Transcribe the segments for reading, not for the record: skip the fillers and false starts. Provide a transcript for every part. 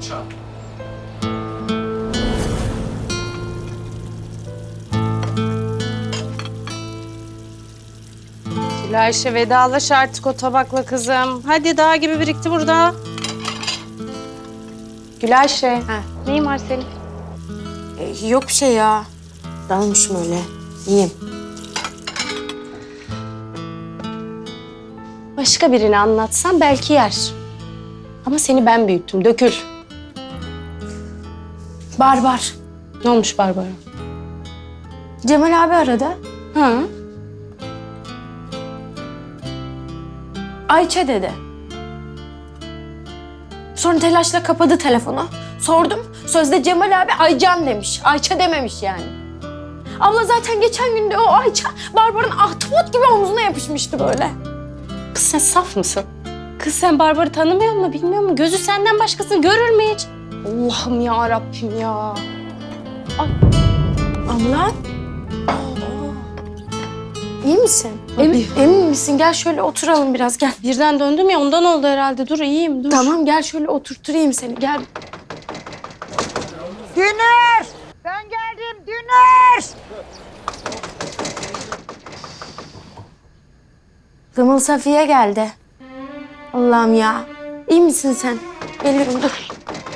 Ayşe vedalaş artık o tabakla kızım. Hadi dağ gibi birikti burada. Gülayşe. Neyin var senin? Yok bir şey ya. Dalmışım öyle. İyiyim. Başka birini anlatsam belki yer. Ama seni ben büyüttüm. Dökül. Barbar. Ne olmuş Barbara? Cemal abi aradı. Hı. Ayça dedi. Sonra telaşla kapadı telefonu. Sordum. Sözde Cemal abi Aycan demiş. Ayça dememiş yani. Abla zaten geçen günde o Ayça Barbar'ın ahtapot gibi omzuna yapışmıştı böyle. Kız sen saf mısın? Kız sen Barbar'ı tanımıyor musun, bilmiyor musun? Gözü senden başkasını görür mü hiç? Allah'ım ya Rabbim ya. Abla. İyi misin? Emin misin? Gel şöyle oturalım biraz gel. Birden döndüm ya ondan oldu herhalde. Dur iyiyim dur. Tamam gel şöyle oturtturayım seni gel. Dünür! Ben geldim Dünür! Kımıl Safiye geldi. Allah'ım ya. İyi misin sen? Geliyorum dur.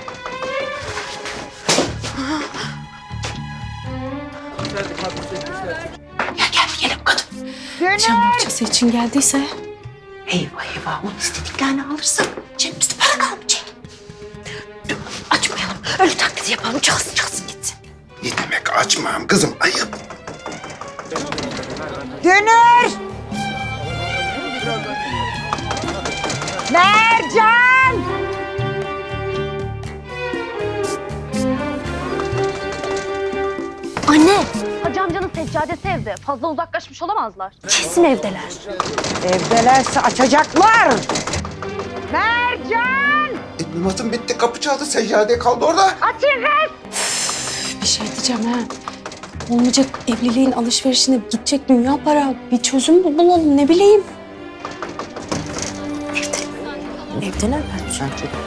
Dünür! Akşam bohçası için geldiyse. Eyvah eyvah, onu istediklerini alırsak cebimizde para kalmayacak. Dur, açmayalım, öyle taklidi yapalım, çalsın gitsin. Ne demek açmam kızım, ayıp. Dünür! Mercan! Anne. Hacı amcanın seccadesi evde. Fazla uzaklaşmış olamazlar. Kesin evdeler. Evdelerse açacaklar! Mercan! Namazım bitti, kapı çaldı, seccade kaldı orada. Bir şey diyeceğim ha. Olmayacak evliliğin alışverişine gidecek dünya para. Bir çözüm bulalım ne bileyim. Evdeler bence.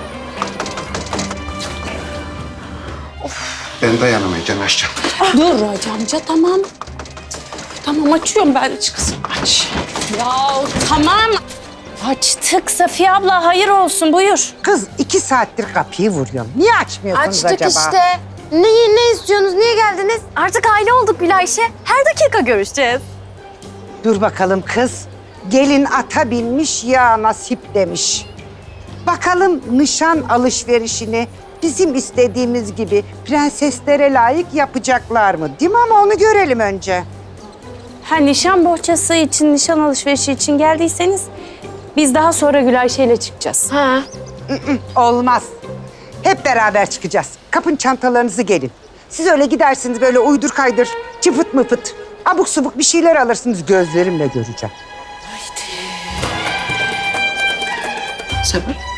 Ben dayanamayacağım, açacağım. Dur Hacı amca tamam. Tamam açıyorum ben kızım aç. Ya tamam. Açtık Safiye abla hayır olsun buyur. Kız 2 saattir kapıyı vuruyorum. Niye açmıyorsunuz Açtık acaba? işte. Ne istiyorsunuz? Niye geldiniz? Artık aile olduk Gülayşe. Her dakika görüşeceğiz. Dur bakalım kız. Gelin ata binmiş ya nasip demiş. Bakalım nişan alışverişini bizim istediğimiz gibi prenseslere layık yapacaklar mı? Değil mi ama onu görelim önce. Ha nişan bohçası için, nişan alışverişi için geldiyseniz biz daha sonra Gülayşe ile çıkacağız. Ha. Olmaz. Hep beraber çıkacağız. Kapın çantalarınızı gelin. Siz öyle gidersiniz böyle uydur kaydır, çıfıt mıfıt. Abuk subuk bir şeyler alırsınız gözlerimle göreceğim. Sabır.